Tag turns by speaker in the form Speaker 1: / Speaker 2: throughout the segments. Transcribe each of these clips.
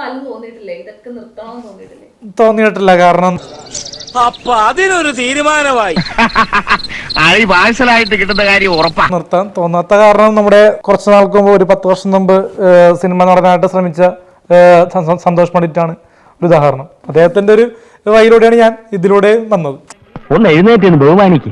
Speaker 1: കാലം തോന്നിയിട്ടില്ലേ ഇതൊക്കെ നിർത്തണമെന്ന് തോന്നിയിട്ടില്ലേ?
Speaker 2: തോന്നിയിട്ടില്ല. കാരണം
Speaker 3: അപ്പൊ അതിനൊരു തീരുമാനമായി.
Speaker 4: പാഴ്സലായിട്ട് കിട്ടുന്ന കാര്യം ഉറപ്പാണ്.
Speaker 2: നിർത്താൻ തോന്നാത്ത കാരണം നമ്മുടെ കുറച്ച് നാൾക്ക് മുമ്പ്, ഒരു 10 വർഷം മുമ്പ് സിനിമ നടനായിട്ട് ശ്രമിച്ച സന്തോഷ് പണ്ഡിറ്റാണ് ഒരു ഉദാഹരണം. അദ്ദേഹത്തിന്റെ ഒരു വഴിയിലൂടെയാണ് ഞാൻ ഇതിലൂടെ വന്നത്.
Speaker 4: ഒന്ന് എഴുന്നേറ്റ് ബഹുമാനിക്ക്.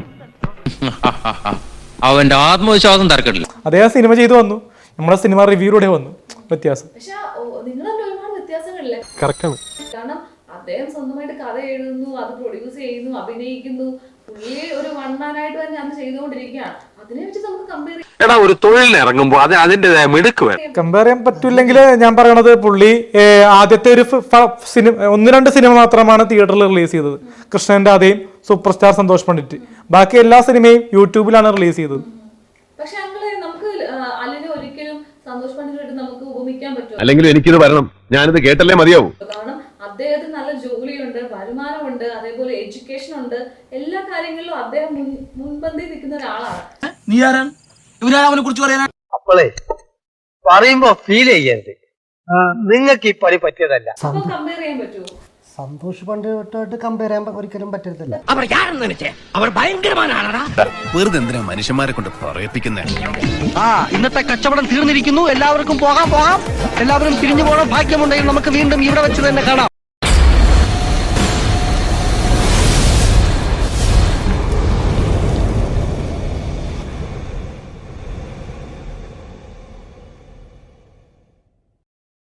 Speaker 5: അവന്റെ ആത്മവിശ്വാസം തർക്കമില്ല.
Speaker 2: അദ്ദേഹം സിനിമ ചെയ്തു വന്നു, നമ്മുടെ സിനിമ റിവ്യൂയിലൂടെ വന്നു. വ്യത്യാസം
Speaker 1: പക്ഷെ നിങ്ങൾ തന്നെ ഒരുപാട് വ്യത്യാസങ്ങളില്ലേ?
Speaker 2: കറക്റ്റാണ്.
Speaker 1: കാരണം അദ്ദേഹം സ്വന്തമായിട്ട് കഥ എഴുതുന്നു, അത് പ്രൊഡ്യൂസ് ചെയ്യുന്നു, അഭിനയിക്കുന്നു. പുള്ളി ഒരു വൺമാനായിട്ട് തന്നെ അത് ചെയ്തുകൊണ്ടിരിക്കുകയാണ്. അതിനെ വെച്ച് നമുക്ക് കമ്പയർ
Speaker 3: എടാ, ഒരു തൊഴിലിന് ഇറങ്ങുമ്പോ അതിന്റേതായ മിടുക്ക് വേണം.
Speaker 2: കമ്പയർ ചെയ്യാൻ പറ്റില്ലെങ്കിൽ ഞാൻ പറയണത്, പുള്ളി ആദ്യത്തെ ഒരു 1-2 സിനിമ മാത്രമാണ് തിയേറ്ററിൽ റിലീസ് ചെയ്തത്. കൃഷ്ണന്റെ അതേയും സൂപ്പർ സ്റ്റാർ സന്തോഷ് പണ്ഡിറ്റ്. ബാക്കി എല്ലാ സിനിമയും യൂട്യൂബിലാണ് റിലീസ് ചെയ്തത്.
Speaker 1: പക്ഷെ നമുക്ക് അലിനെ ഒരിക്കലും സന്തോഷ് പണ്ഡിറ്റായിട്ട് നമുക്ക് ഉപമിക്കാൻ പറ്റുമോ?
Speaker 6: അല്ലെങ്കിലും എനിക്കിത് വരണം, ഞാനിത് കേട്ടല്ലേ മതിയാവും.
Speaker 1: കാരണം അദ്ദേഹത്തിന് നല്ല ജോലിയുണ്ട്, വരുമാനമുണ്ട്, അതേപോലെ എഡ്യൂക്കേഷൻ ഉണ്ട്. എല്ലാ കാര്യങ്ങളിലും അദ്ദേഹം മുൻപന്തി നിൽക്കുന്ന ഒരാളാണ്.
Speaker 3: നീ ആരാണ്? ഇവരാണ് അവനെ കുറിച്ച് പറയാൻ.
Speaker 7: അപ്പോളേ പറയുമ്പോ ഫീൽ ചെയ്യരുത്, നിങ്ങൾക്ക് ഈ പണി പറ്റിയതല്ല.
Speaker 1: അപ്പൊ കമ്പയർ ചെയ്യാൻ പറ്റുമോ?
Speaker 8: സന്തോഷ് പണ്ഡിറ്റുമായിട്ട് കമ്പയർ ചെയ്യാൻ ഒരിക്കലും പറ്റത്തില്ല.
Speaker 6: വെറുതെ എന്തിനാ മനുഷ്യന്മാരെ കൊണ്ട് പറയിപ്പിക്കുന്നേ?
Speaker 4: ഇന്നത്തെ കച്ചവടം തീർന്നിരിക്കുന്നു. എല്ലാവർക്കും പോകാം. എല്ലാവരും പിരിഞ്ഞു പോകണം. ഭാഗ്യമുണ്ടെങ്കിൽ നമുക്ക് വീണ്ടും ഇവിടെ വെച്ച് തന്നെ കാണാം.